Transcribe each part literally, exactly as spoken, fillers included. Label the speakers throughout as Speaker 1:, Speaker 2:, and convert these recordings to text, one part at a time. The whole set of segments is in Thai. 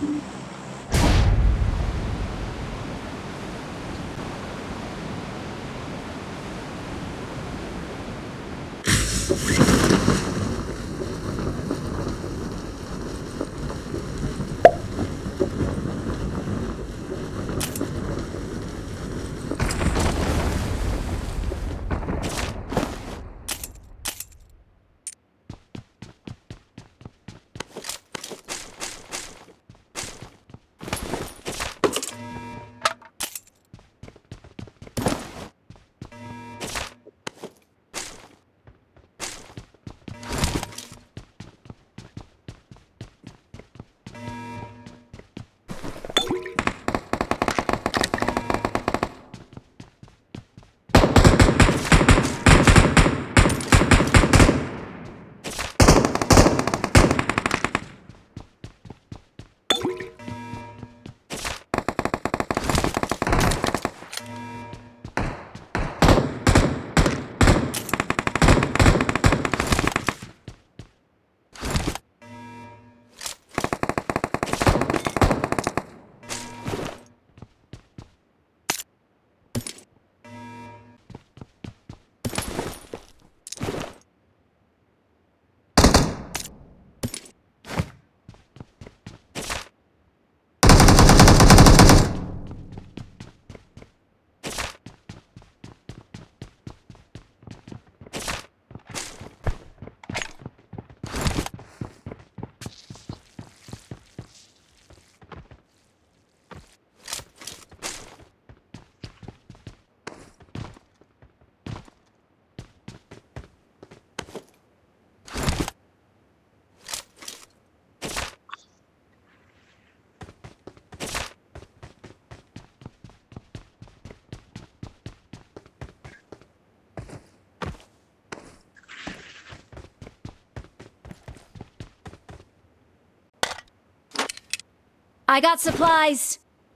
Speaker 1: I got supplies.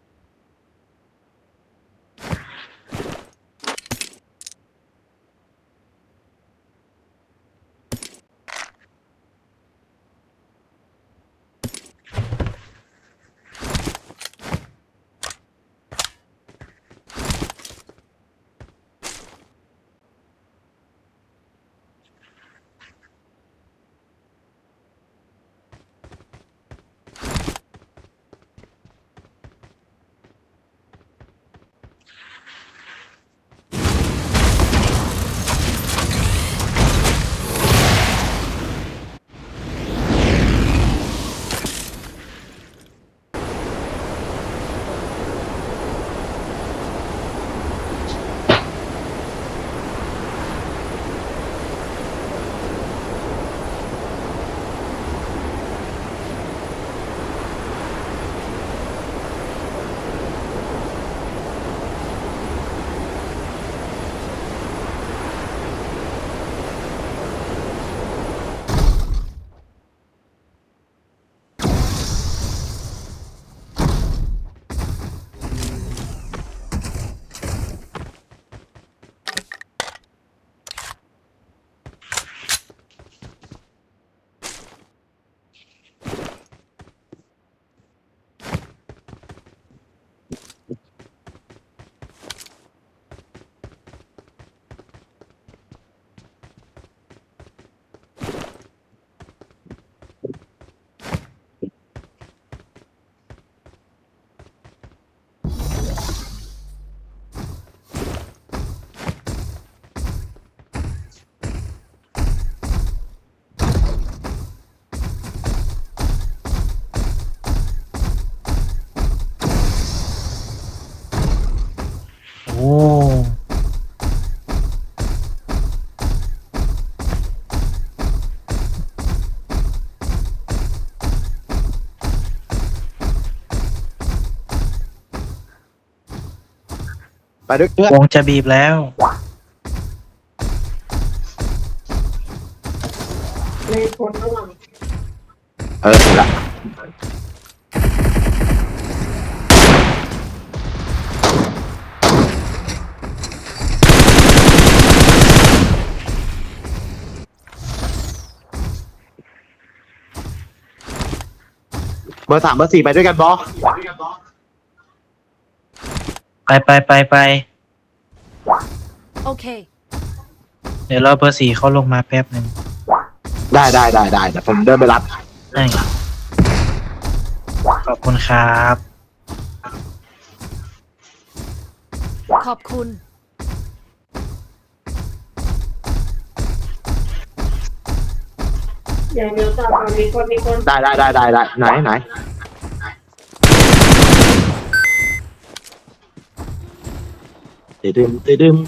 Speaker 2: โอ้
Speaker 3: ไปด้วยเพื่อน
Speaker 2: วงจะบีบแล้ว
Speaker 3: เออถูกละเบอร์สามเบอร์สี่ไปด้วยกันบอ
Speaker 2: ไปไปไปไป
Speaker 1: Okay.
Speaker 2: เดี๋ยวรอเบอร์สี่เขาลงมาแป๊บหนึ่ง
Speaker 3: ได้ได้ได้ได้เดี๋ยวผมเดินไปรับ
Speaker 2: ให้ขอบคุณครับ
Speaker 1: ขอบคุณ
Speaker 4: อย่างเดียวต่อไปมีคนมีคน
Speaker 3: ได้ได้ได้ได้ได้ไหนไหนติดึมติดึม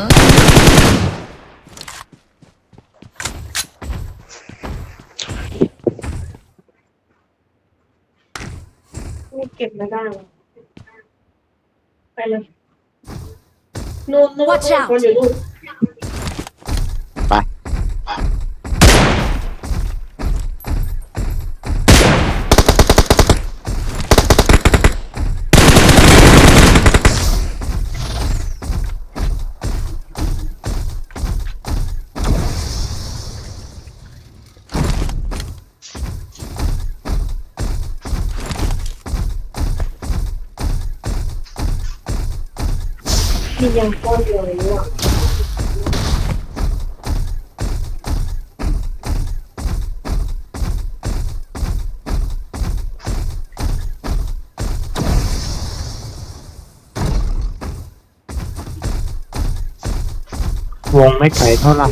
Speaker 4: ไม่เก็บไม่ได้หรอไปเลยนู่นนู่น
Speaker 1: Watch out
Speaker 4: คนอยู่นู่น
Speaker 3: ไป
Speaker 4: มียังก้อนเดียวเลยว่ะ
Speaker 3: วงไม่ไกลเท่าไหร่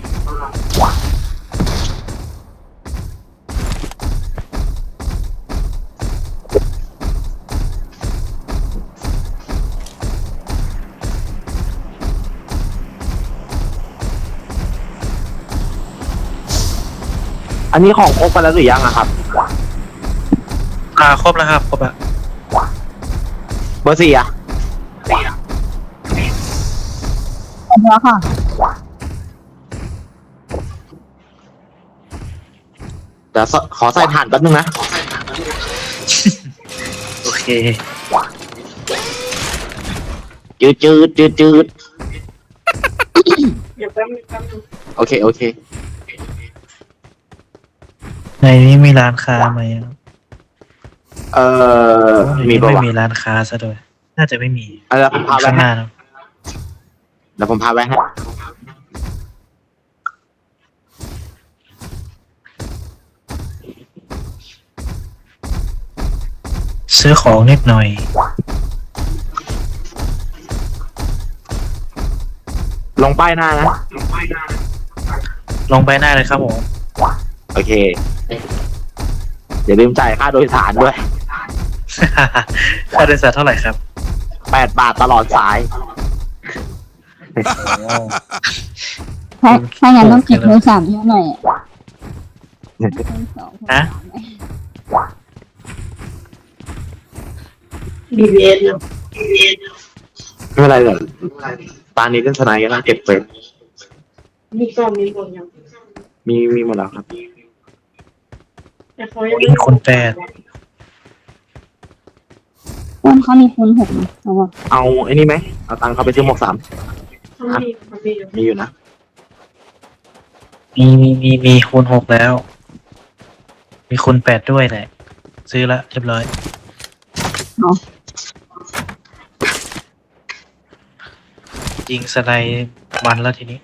Speaker 3: อันนี้ของครบไปแล้วหรือยังอะครับ
Speaker 2: อ่าครบแล้วครับครบแล้ว
Speaker 3: เบอร์สี่อะ
Speaker 5: แล้วค่ะ
Speaker 3: เดี๋ยวขอใส่ถ่านแป๊บนึงนะ
Speaker 2: โอเค
Speaker 3: จืดจืดจืดจืด
Speaker 4: เดี๋ยวแป๊บนึงแป๊บนึง
Speaker 3: โอเคโอเค
Speaker 2: ในนี้มีร้านค้าไหมอะ
Speaker 3: เอ่อ
Speaker 2: ใน
Speaker 3: มี
Speaker 2: นี้
Speaker 3: ปะ
Speaker 2: ไม่
Speaker 3: วะ
Speaker 2: มีร้านค้าซะด้วยน่าจะไม่มี
Speaker 3: เอาเดี๋ยวผมพาไป
Speaker 2: ข้างห
Speaker 3: ให้
Speaker 2: น้าเนอะ
Speaker 3: เดี๋ยวผมพาไปให้
Speaker 2: ซื้อของนิดหน่อย
Speaker 3: ลงป้ายหน้านะ
Speaker 2: ลงไปหน้าเลยครับผม
Speaker 3: โอเค อย่าลืมจ่ายค่าโดยสารด้วย
Speaker 2: ค่าโดยสารเท่าไหร่ครับ
Speaker 3: แปดบาทตลอดสาย
Speaker 5: ถ้าถ้างั้นต้องเก็บโทรศัพท์เยอะหน่อยอะสอง
Speaker 2: ฮะ
Speaker 4: บีบีเอ็นเนาะ
Speaker 3: ไม่เป็นไรหรอกตานี้เล่นสไนด์ก็น่าเก็บไป
Speaker 4: มีกล่องมีกล่องยัง
Speaker 3: มีมีหมดแล้วครับ
Speaker 4: แต่เขายัง
Speaker 2: มีคนแปด
Speaker 5: อ้วนเขามีคูณหกนะเอาว่า
Speaker 3: เอาไอ้นี่ไหมเอาตังค์เขาไปซื้อหมวกสาม
Speaker 4: เขามีเขามีอยู่
Speaker 3: มีอยู่นะ
Speaker 2: มีมีมีมีคูณหกแล้ว มีคูณแปดด้วยแหละ ซื้อละเรียบร้อย ยิงสไนด์มันแล้วทีนี้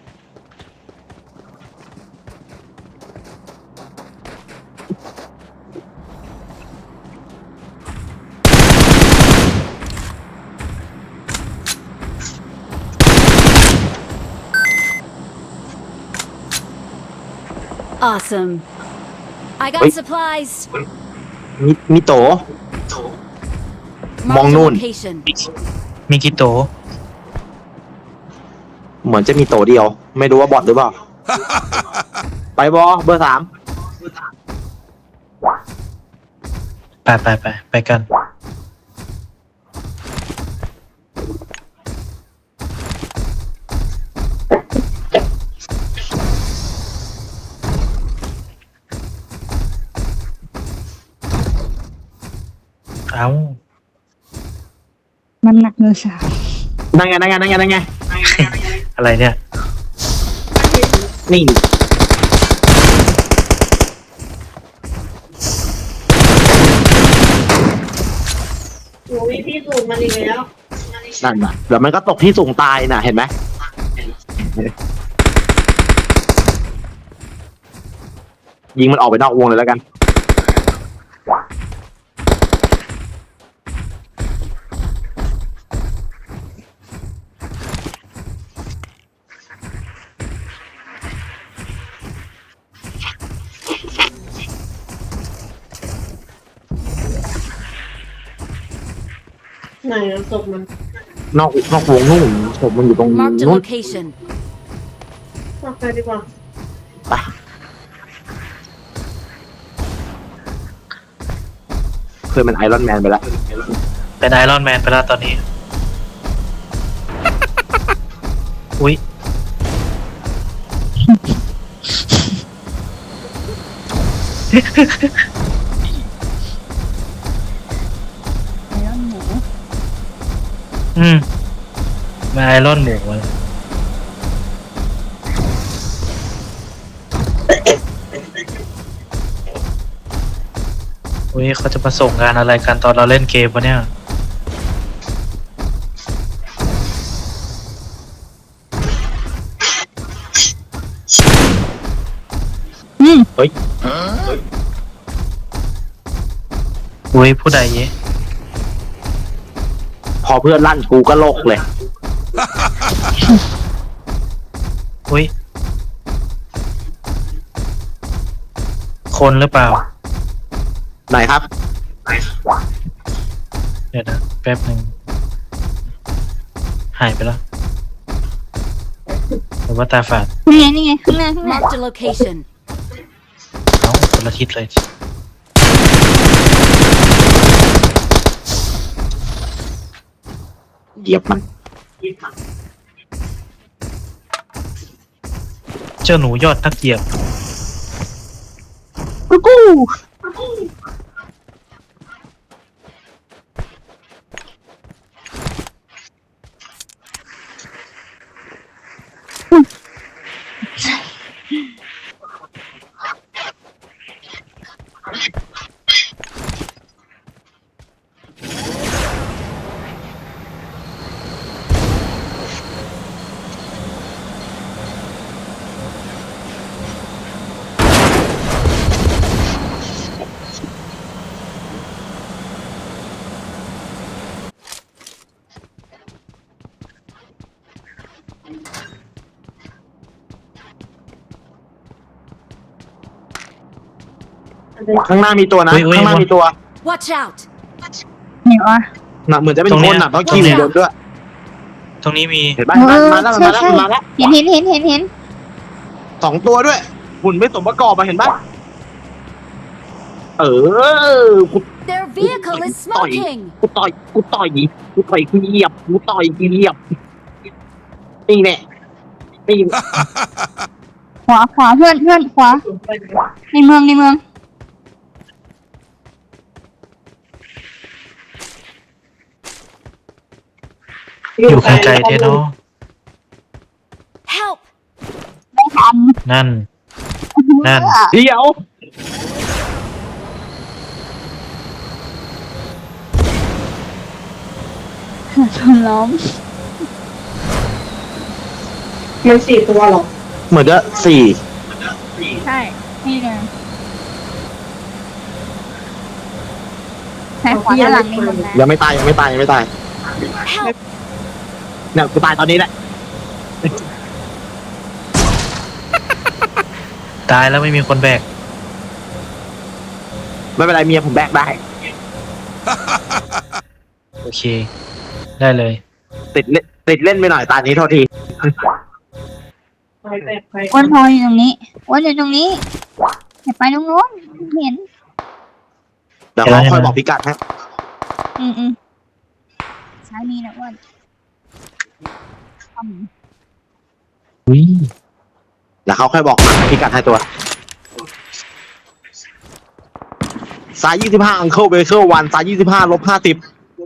Speaker 1: Awesome. I got
Speaker 3: Wait.
Speaker 1: supplies.
Speaker 3: มีมีโต
Speaker 1: Marked a
Speaker 3: Mong-nun.
Speaker 1: location.
Speaker 2: มีกี่โต
Speaker 3: เหมือนจะมีโตเดียว ไม่รู้ว่าบอทหรือเปล่า ไปบอเบอร์สาม
Speaker 2: ไปไปไปไปกัน เอา
Speaker 5: มันหนักเนื้อสาว
Speaker 3: นั่งไงนั่งไงนั่งไงนั่งไง
Speaker 2: อะไรเนี่ย
Speaker 3: นี่
Speaker 4: โอ้ยพี่สูงมันอีกแล้ว
Speaker 3: นั่นน่ะเดี๋ยวมันก็ตกที่สูงตายน่ะเห็นไหมยิงมันออกไปนอกวงเลยแล้วกัน
Speaker 4: ไหนอะศพมัน
Speaker 3: นอกนอกวงนู่นผมมันอยู่ตรง
Speaker 1: Marked a
Speaker 3: นู้น
Speaker 1: location.
Speaker 4: ออกไปดีกว่า
Speaker 3: ไปเคยเป็นไอรอนแมนไปแล้ว
Speaker 2: เป็นไอรอนแมนไปแล้วตอนนี้ อุ้ย
Speaker 5: ไอรอนหมู
Speaker 2: อืมมาไอรอนหมูเลยอุ้ยเขาจะมาส่งงานอะไรกันตอนเราเล่นเกมวะเนี่ย
Speaker 5: อืม
Speaker 3: เฮ้ย
Speaker 2: อุ้ยผู้ใดเยะ
Speaker 3: พอเพื่อนลั่นกูก็โลกเลย
Speaker 2: อุ้ย คนหรือเปล่า
Speaker 3: ไหนครับ
Speaker 2: เดี๋ยวนะแป๊บหนึ่งหายไปแล้วหรือว่าตาฝาด
Speaker 5: นี่ไงนี่ไงข้างหน้าข้างหน้า
Speaker 1: Marked a location.
Speaker 2: เอ้าคนละทิศเลย
Speaker 3: เหยียบมัน
Speaker 2: เจ้าหนูยอดนักเหยียบ
Speaker 5: กูกู
Speaker 3: ข้างหน้ามีตัวนะ
Speaker 2: อุ๊ยอุ๊ย
Speaker 3: ข้างหน้ามีตัว
Speaker 1: Watch out.
Speaker 5: ไหนวะ
Speaker 3: น่ะเหมือนจะเป็น
Speaker 2: ตรง
Speaker 3: ค
Speaker 2: เนี้
Speaker 3: น
Speaker 2: ย
Speaker 3: น่ะต้องขี่บนด้วย
Speaker 2: ตรงนี้มี
Speaker 3: เห็นไหม
Speaker 5: เอ
Speaker 3: มา
Speaker 5: อ
Speaker 3: แล้ว
Speaker 5: ใช่
Speaker 3: มาแล้ว
Speaker 5: ใช่
Speaker 3: มาแล้ว
Speaker 5: เห็นเห็นเห็นเห็นเห็น
Speaker 3: สองตัวด้วย หุ่นไม่สมประกอบมาเห็นปะเออกู
Speaker 1: Their vehicle is smoking.
Speaker 3: กูต่อยกูต่อยกูต่อยกูเหยียบกูต่อยกูเหยียบนี่แน่นี่
Speaker 5: ขวาขวาเพื่อนเพื่อนขวาในเมืองในเมือง
Speaker 2: อยู่ไกลๆเทเนาะ
Speaker 1: Help.
Speaker 5: ไม่ทัน
Speaker 2: นั่น นั่น
Speaker 3: เดี๋ยว
Speaker 5: โดนล้อม
Speaker 4: มันสี่ตัวหรอ
Speaker 3: เหมือนจะสี่
Speaker 5: ใช่นี่เลยใช่ขวาด้านหลังในเมืองนะ
Speaker 3: ยังไม่ตายยังไม่ตายยังไม่ตาย
Speaker 1: Help.
Speaker 3: เนี่ยกูตายตอนนี้แหละ
Speaker 2: ตายแล้วไม่มีคนแบก
Speaker 3: ไม่เป็นไรเมียผมแบกได้
Speaker 2: โอเค ได้เลย
Speaker 3: ติดเล่นติดเล่นไปหน่อยตอนนี้โทษที
Speaker 4: ไปแตกไป
Speaker 5: อ้วนพออยู่ตรงนี้อ้วนอยู่ตรงนี้อย่าไปตรงโน้นเห็น
Speaker 3: เดี๋ยวเขาค่อยบอกพิกัดให้
Speaker 5: อืมอืมซ้ายมีนะอ้วนอืม
Speaker 2: อุ้ย
Speaker 3: เดี๋ยวเขาค่อยบอกพิกัดให้ตัวสายยี่สิบห้าอังเคิลเบเคิลวันสายยี่สิบห้าลบห้าสิบ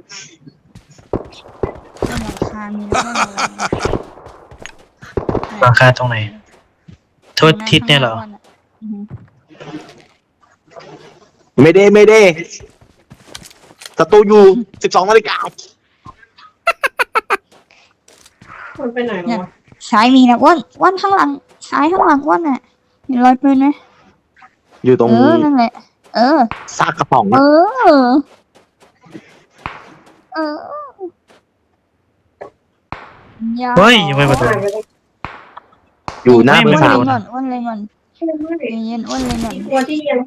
Speaker 5: ต้นหลังคามีแล้วก็ระวัง
Speaker 2: ราคาตรงไหน โทษทิศเนี่ยเหรอ
Speaker 5: อือฮึ
Speaker 3: ไม่ได้ไม่ได้ศัตรูอยู่สิบสองนาฬิกา
Speaker 4: มันไปไหนแล้ววะ
Speaker 5: ซ้ายมีนะอ้วนอ้วนข้างหลังซ้ายข้างหลังอ้วนน่ะเห็นรอยปืนไหม
Speaker 3: อยู่ตรง
Speaker 5: เออนั่นแหละ เออ
Speaker 3: ซากกระป๋อง
Speaker 5: เอ
Speaker 3: อะ
Speaker 5: อ เอออย่า
Speaker 2: เฮ้ยยังไม่มาโดน
Speaker 3: อยู่หน้าเบอ
Speaker 5: อ้ว
Speaker 3: ร์
Speaker 5: น
Speaker 3: สา
Speaker 5: เล
Speaker 3: ม
Speaker 5: ยก่อนอ้วนเลยก่อน
Speaker 4: ไม่ไม่
Speaker 5: ใจเย็นอ้วนเลยก่อน
Speaker 4: ตัวที่ยัง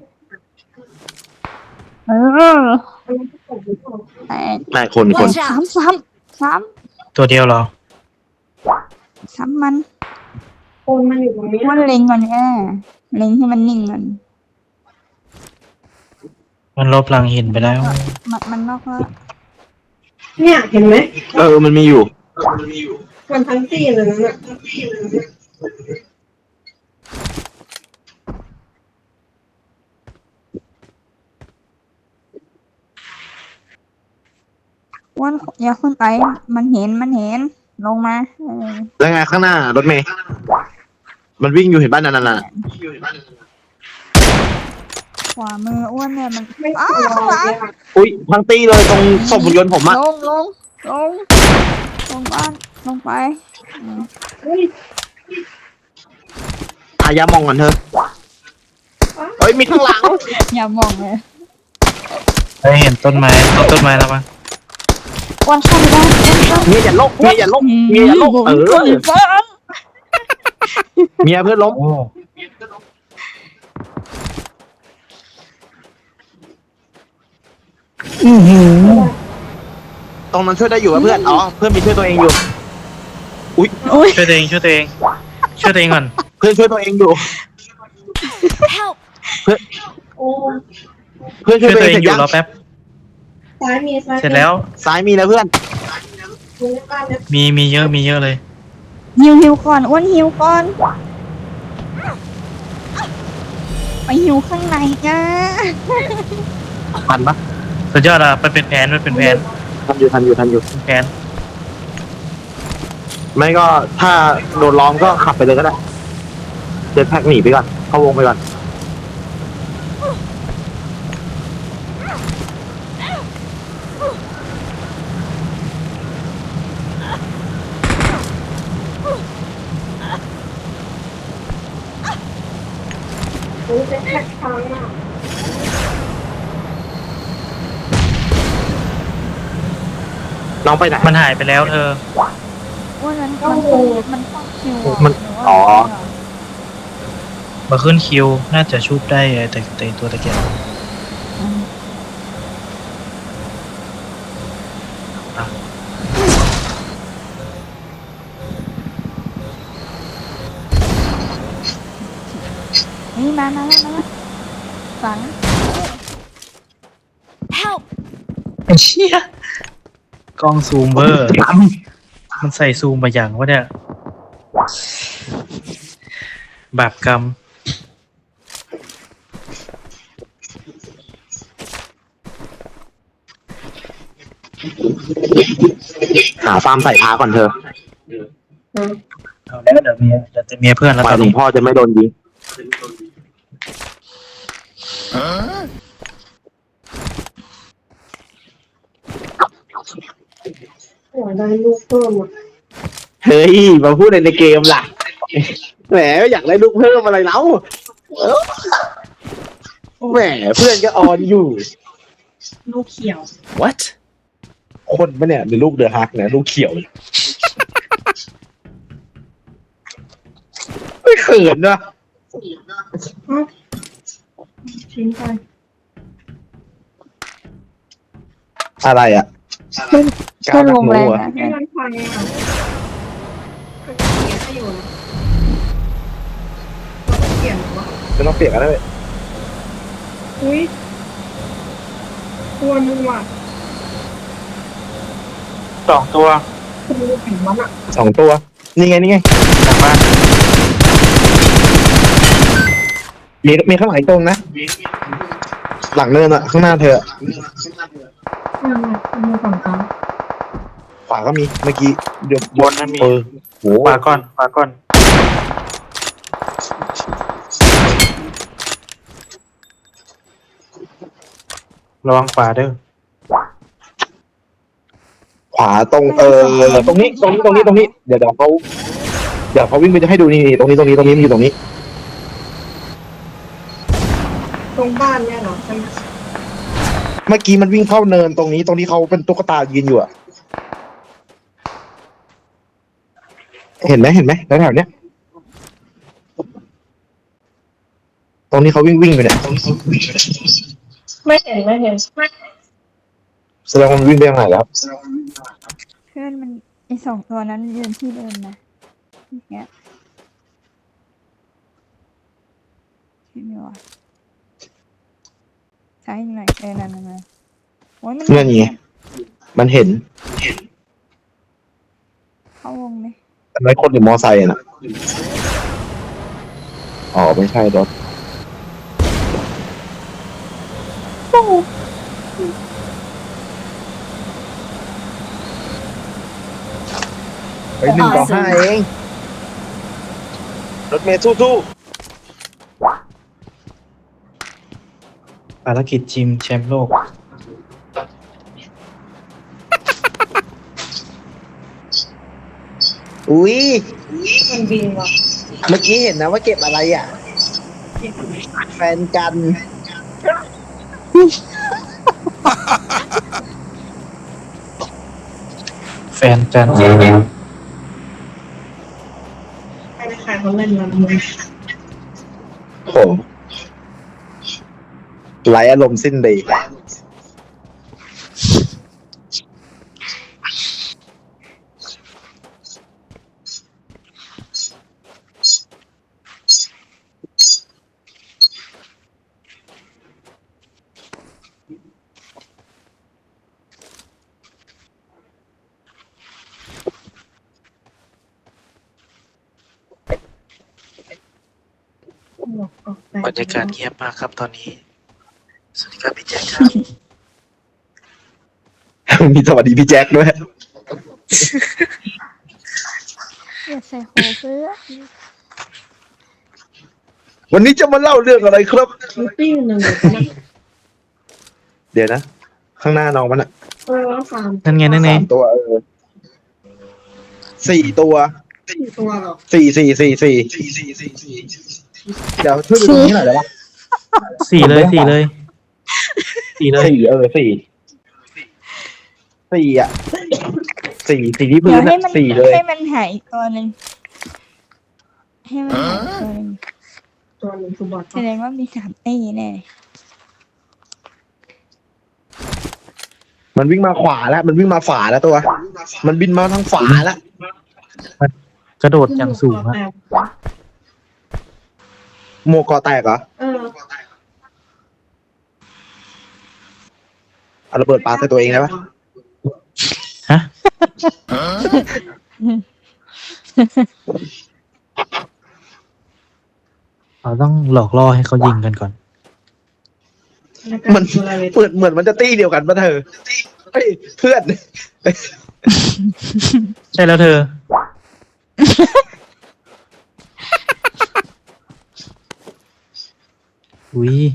Speaker 5: เออ
Speaker 4: มันไม่ตกหรือเปล่า
Speaker 5: แต่
Speaker 3: นายคนคน
Speaker 1: Watch
Speaker 5: สาม
Speaker 1: out!
Speaker 5: สามสาม
Speaker 2: ตัวเดียวเหรอ
Speaker 5: สามมัน
Speaker 4: คนมันอยู่ตรงนี้
Speaker 5: อ้วนเล็งก่อนแค่เล็งให้มันนิ่งก่อน
Speaker 2: มันลบหลังหินไปแล้ว
Speaker 5: มันมันนอกแล้ว
Speaker 4: เนี่ยเห็นไหม
Speaker 3: เออมันมีอยู่
Speaker 4: มันทั้งตีเลยนั่นน่ะ
Speaker 5: อ้วนอย่าขึ้นไปมันเห็นมันเห็นลงมาเออ
Speaker 3: แล้วไงข้างหน้ารถเมย์มันวิ่งอยู่เห็นบ้านนั่นน่ะ
Speaker 5: ขวามืออ้วนเนี่ยมัน
Speaker 4: ไม่
Speaker 5: อ้าก
Speaker 4: ลัว
Speaker 5: ข้างหลัง
Speaker 4: เนี่ย
Speaker 3: อุ้ยทั้งตีเลยตรงศพหุ่นยนต์ผมอะ
Speaker 5: ลงลงลงลงบ้านลงไปอืม
Speaker 4: เฮ้ย
Speaker 3: อายามองกันเถอะเฮ้ยมีข้างหลัง
Speaker 5: อย่ามองเลย
Speaker 2: เฮ้ยเห็นต้นไม้ต้นต้นไม้แล้วปะ
Speaker 5: อ้วนเข้าไปได้อ้วนเข้า
Speaker 3: เมียอย่าลบเมียอย่าลบเมียอย่าลบเออ
Speaker 5: คนบ้าน
Speaker 3: เมียเพื่อนล้ม
Speaker 2: โอ้
Speaker 3: ตรงนั้นช่วยได้อยู่ป่ะเพื่อนอ๋อเพื่อนมีช่วยตัวเองอยู่ อุ้ย
Speaker 2: ช่วยตัวเองช่วยตัวเองช่วยตัวเองก่อน
Speaker 3: เพื่อนช่วยตัวเองอยู่
Speaker 1: Help!
Speaker 4: โอ้
Speaker 3: เพื่อนช่
Speaker 2: ช่
Speaker 3: ว
Speaker 2: วย ย
Speaker 3: ตัว
Speaker 2: ตัว
Speaker 3: เอ
Speaker 2: เอง ง
Speaker 3: เสร็จ
Speaker 2: อยู่
Speaker 3: ยัง
Speaker 2: รอแป๊บ
Speaker 4: ซ้ายมีซ้ายมี
Speaker 2: เสร็จแล้ว
Speaker 3: ซ้ายมีนะเพื่อน
Speaker 4: มีบ้านเนี่ย
Speaker 2: มีมีเยอะมีเยอะเลย
Speaker 5: หิวหิวก่อนอ้วนหิวก่อนไปหิวข้างในจ้า
Speaker 3: ทันปะ
Speaker 2: สุดยอดอ่ะมันเป็นแผนมันเป็นแผน
Speaker 3: ทันอยู่ทันอยู่ทันอยู่
Speaker 2: เป็นแผน
Speaker 3: ไม่ก็ถ้าโดนล้อมก็ขับไปเลยก็ได้เดินแพ็กหนีไปก่อนเข้าวงไปก่อน
Speaker 4: โอ้เป็นแท็กทางอ่ะ
Speaker 3: น้องไปไหน
Speaker 2: มันหายไปแล้วเธอ
Speaker 5: อ้วนมันมันต้องมันต้องคิวะ
Speaker 3: มัน
Speaker 5: หรืว่า
Speaker 3: อ๋อ
Speaker 2: มาขึ้นคิวน่าจะชุบได้แต่แต่ตัวตะเกียบ
Speaker 5: อืมนี่มามาแล้วมาแล้วฝัง
Speaker 1: Help!
Speaker 2: เชี่ยกล้องซูมเบอร์ มันใส่ซูมมาอย่างวะเนี่ยบาปกรรม
Speaker 3: หาฟาร์มใส่พาก่อนเธอ
Speaker 2: เอาแล้วเดี๋ยวเมียเดี๋ยวจะเมียเพื่อนแล้ว
Speaker 3: ฝ่า
Speaker 2: ตอย น
Speaker 3: หลวง
Speaker 2: นี้
Speaker 3: พ่อจะไม่โดนยิง
Speaker 4: โอ้ยได้ลูกเพิ่มอ่ะ
Speaker 3: เฮ้ยมาพูดในเกมล่ะแหมอยากได้ลูกเพิ่มอะไรแล้วเออแหมเพื่อนก็ออนอยู่
Speaker 4: ลูกเขียว
Speaker 3: what คนปะเนี่ยหรือลูกเดือฮักเนี่ยลูกเขียว ไม่เขินนะ
Speaker 4: ทิ้งไป
Speaker 3: อะไรอ่ะ
Speaker 5: เพื่อนลงแรง
Speaker 3: อะ
Speaker 5: นะ
Speaker 4: ไม่มันพังอ่ะก็เขียนให้อยู่นะก็เขียนว่า
Speaker 3: จะต้องเปลี่ยนกันได้ไหม
Speaker 4: อุ้ยตัวนึงว่ะ
Speaker 2: สองตัว
Speaker 4: คุณดูผิวมันอ่ะ
Speaker 3: สองตัว นี่ไงนี่ไง
Speaker 2: หลังบ้าน
Speaker 3: มีมีข้างหลังอีกตรงนะ หลังเนินอะข้างหน้าเธออะ
Speaker 4: อืมคุณดูฝั่งเขา
Speaker 3: ขวาก็มีเมื่อกี้เดี๋ยว
Speaker 2: บนนั่นมี
Speaker 3: เออโห
Speaker 2: ขวาก่อนขวาก่อนระวังขวาเด้อ
Speaker 3: ขวาตรงเออตรงนี้ตรงนี้ตรงนี้ตรงนี้เดี๋ยวเดี๋ยวเขาเดี๋ยวเขาวิ่งไปจะให้ดูนี่ตรงนี้ตรงนี้ตรงนี้มันอยู่ตรงนี้
Speaker 4: ตรงบ้านเนี่ยเหรอใช่ไหม
Speaker 3: เมื่อกี้มันวิ่งเข้าเนินตรงนี้ตรงนี้เขาเป็นตุ๊กตายืนอยู่อะเห็นไหมเห็นไหมแถวๆเนี้ยตรงนี้เขาวิ่งวิ่งไปเนี่ย
Speaker 4: ไม่เห็นไม่เห็น
Speaker 3: แสดงว่ามันวิ่งไปทางไหนแล้ว
Speaker 5: เพื่อนมันไอสองตัวนั้นยืนที่เดิมนะเนี้ยใช่ไหมวะใช่หน่อยเออนั่นนั่นโอ้ยมัน
Speaker 3: เพื่อนไงมันเห็น
Speaker 5: เข้าวงไหม
Speaker 3: แต่ไม่คนหรือมอไซค์อะนะอ๋อไม่ใช่รถเฮ้ยหนึ่งต่อห้าเองรถเมย์สู้ๆ
Speaker 2: ภารกิจชิมแชมป์โลก
Speaker 3: อุ้ย
Speaker 4: มันบินว่ะ
Speaker 3: เมื่อกี้เห็นนะว่าเก็บอะไรอ่ะ แฟนกัน
Speaker 2: แฟนกัน
Speaker 4: ไม่ได้ใครเขาเล่นมันเลย
Speaker 3: โอ้โหไร้อารมณ์สิ้นดี
Speaker 2: บรรยากาศเงียบมากครับตอนนี้ สวัสดีครับพี่แจ็คครับ
Speaker 3: มีสวัสดีพี่แจ็คด้วย
Speaker 5: อย่าใส่โหเพื่อ
Speaker 3: วันนี้จะมาเล่าเรื่องอะไรครับ
Speaker 4: มันปิ้งหนึ่งเลยนะ
Speaker 3: เดี๋ยวนะ ข้างหน้าน้องมันอะ
Speaker 4: เออสาม
Speaker 2: นั่นไงนั่นไง
Speaker 3: สามตัวเออสี่ตัว
Speaker 4: สี่ตัวหรอ
Speaker 3: สี่สี่สี่สี่เดี๋ยวช่วยดูตรงนี้หน่อยได้ปะ
Speaker 2: สี่เลยสี่เลยสี่เลย
Speaker 3: สี่เออสี่สี่อ่ะสี่สี่ที่
Speaker 5: เดี๋
Speaker 3: พื้
Speaker 5: ยวน ให้
Speaker 3: อะ
Speaker 5: มัน
Speaker 3: สี่เลย
Speaker 5: ให้มันหายอีกตัวหนึ่งให้มันหายอีกตัวหนึ่ง
Speaker 4: ตัวหนึ่งคือบอท
Speaker 5: แสดงว่ามีสามตีแน่
Speaker 3: มันวิ่งมาขวาแล้ว มันวิ่งมาฝาแล้วตัว มันบินมาทางฝาแล้ว
Speaker 2: กระโดดอย่างสูงอะ
Speaker 3: โมกอแตกเหรอ
Speaker 4: เออ
Speaker 3: เอาระเบิดปาใส่ตัวเองได้ปะ
Speaker 2: ฮะเราต้องหลอกล่อให้เขายิงกันก่อน
Speaker 3: มันเปิดเหมือนมันจะตี้เดียวกันปะเธอเฮ้ยเพื่อน
Speaker 2: ใช่แล้วเธอ อุ้ย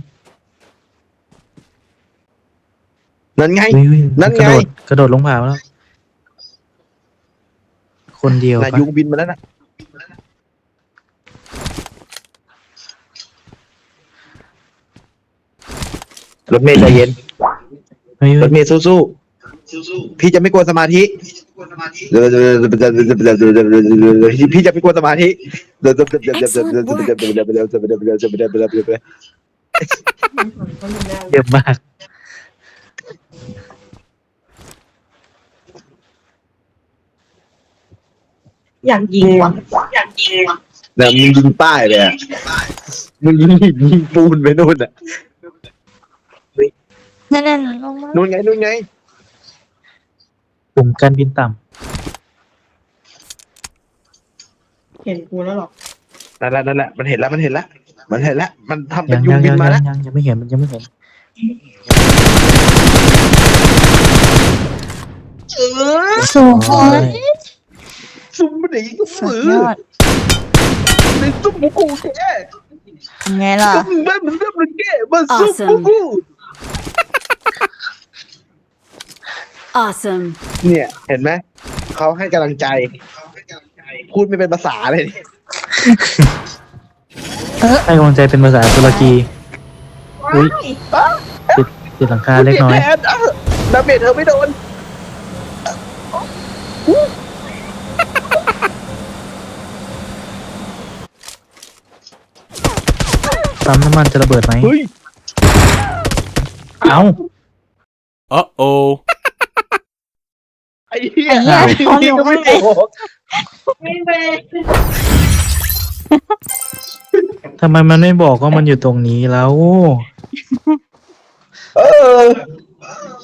Speaker 3: นั่นไง
Speaker 2: อุ้ยอุ้ย
Speaker 3: นั่น
Speaker 2: ก
Speaker 3: ไง
Speaker 2: ระโดดกระโดดลงผาแล้ว คนเดียว
Speaker 3: นา
Speaker 2: ปะ
Speaker 3: ยุงบินมาแล้วนะรถเมย์ใจเย็น
Speaker 2: เฮ้ย
Speaker 3: ร
Speaker 2: เฮ้
Speaker 3: ถ
Speaker 2: ย
Speaker 3: เมย์สู้ๆพี่จะไม่กลัวสมาธิพี่จะไม่กลัวสมาธิ
Speaker 2: เยอะมาก
Speaker 4: อยากยิงว่ะอยากยิงว่ะ
Speaker 3: นะมึงยิงป้ายเลยอ่ะมึงยิงหินยิงปูนไปนู่นอ่ะ
Speaker 5: นั่นนั่นลงมา
Speaker 3: นู่นไงนู่นไง
Speaker 2: ปุ่มการบินต่
Speaker 4: เห็นกูแล้วหรอ
Speaker 3: นั่นแหละนั่นแหละมันเห็นแล้วมันเห็นแล้วมันเห็นแล้วมันทำ
Speaker 2: ำ
Speaker 3: เป็
Speaker 2: ยั
Speaker 3: น
Speaker 2: ง
Speaker 3: ยุ
Speaker 2: ยัง ง
Speaker 3: บิ
Speaker 2: ยั
Speaker 3: น
Speaker 2: ง
Speaker 3: มา
Speaker 2: ยั
Speaker 3: แล้ว
Speaker 2: งยังยังไม่เห็นมันยังไม่เห็น
Speaker 5: สูง
Speaker 2: โอ้ย
Speaker 3: ซุ่มมันอีก
Speaker 5: สุ
Speaker 3: มื
Speaker 5: ด
Speaker 3: อย
Speaker 5: อด
Speaker 3: ในซุ่มมุกูแก
Speaker 5: ไงล่ะ
Speaker 3: ซุ่มแบบมันแบบมันแกมันซุ่มมุกู
Speaker 1: Awesome.
Speaker 3: เนี่ย เห็นไหมเขาให้กำลังใจ พูดไม่เป็นภาษาเลย
Speaker 2: ให้กำลังใจเป็นภาษาตุรกี อุ้ยติดติดหลังคาเล็กน้อย
Speaker 3: แทนเอ้าดาเมจเธอไม่โดน
Speaker 2: ปั๊มน้ำมันจะระเบิดไหม
Speaker 3: เฮ้ย
Speaker 2: เอ้า
Speaker 6: Uh-oh.
Speaker 3: ไอ้เหี้ย
Speaker 5: ไอ้เหี้ย
Speaker 3: ไอ้เหี้ยก็ไม่บอก
Speaker 4: ไม่เป็น
Speaker 2: ทำไมมันไม่บอกว่ามันอยู่ตรงนี้แล้ว
Speaker 3: เออ